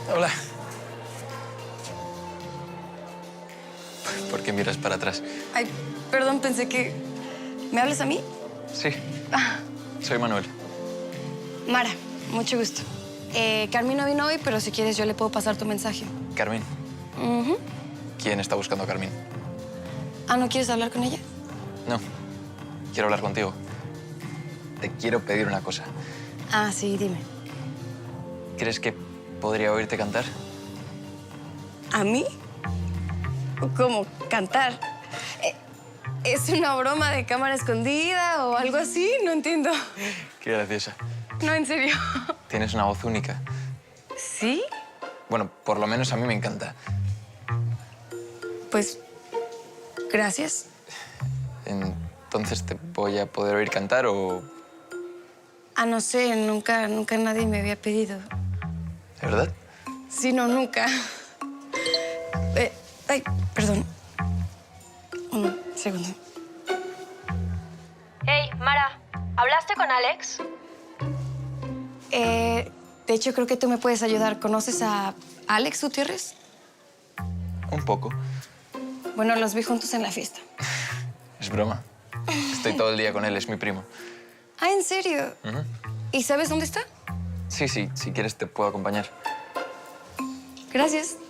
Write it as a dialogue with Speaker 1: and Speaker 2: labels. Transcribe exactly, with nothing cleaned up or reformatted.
Speaker 1: Hola. ¿Por qué miras para atrás?
Speaker 2: Ay, perdón, pensé que... ¿Me hablas a mí?
Speaker 1: Sí.
Speaker 2: Ah,
Speaker 1: Soy Manuel.
Speaker 2: Mara, mucho gusto. Eh, Carmín no vino hoy, pero si quieres yo le puedo pasar tu mensaje.
Speaker 1: Carmín.
Speaker 2: Ujú.
Speaker 1: ¿Quién está buscando a Carmín?
Speaker 2: Ah, ¿no quieres hablar con ella?
Speaker 1: No. Quiero hablar contigo. Te quiero pedir una cosa.
Speaker 2: Ah, sí, dime.
Speaker 1: ¿Crees que podría oírte cantar?
Speaker 2: ¿A mí? ¿Cómo? ¿Cantar? Eh, ¿Es una broma de cámara escondida o algo así? No entiendo.
Speaker 1: Qué graciosa.
Speaker 2: No, en serio.
Speaker 1: Tienes una voz única.
Speaker 2: ¿Sí?
Speaker 1: Bueno, por lo menos a mí me encanta.
Speaker 2: Pues, gracias.
Speaker 1: Entonces, ¿te voy a poder oír cantar o...?
Speaker 2: Ah, no sé, nunca, nunca nadie me había pedido.
Speaker 1: ¿De verdad?
Speaker 2: Sí, no, nunca. Eh, ay, perdón. Un segundo.
Speaker 3: Hey, Mara, ¿hablaste con Alex?
Speaker 2: Eh, de hecho, creo que tú me puedes ayudar. ¿Conoces a Alex Gutiérrez?
Speaker 1: Un poco.
Speaker 2: Bueno, los vi juntos en la fiesta.
Speaker 1: Es broma. Estoy todo el día con él, es mi primo.
Speaker 2: Ah, ¿en serio?
Speaker 1: Ujú.
Speaker 2: ¿Y sabes dónde está?
Speaker 1: Sí, sí, si quieres te puedo acompañar.
Speaker 2: Gracias.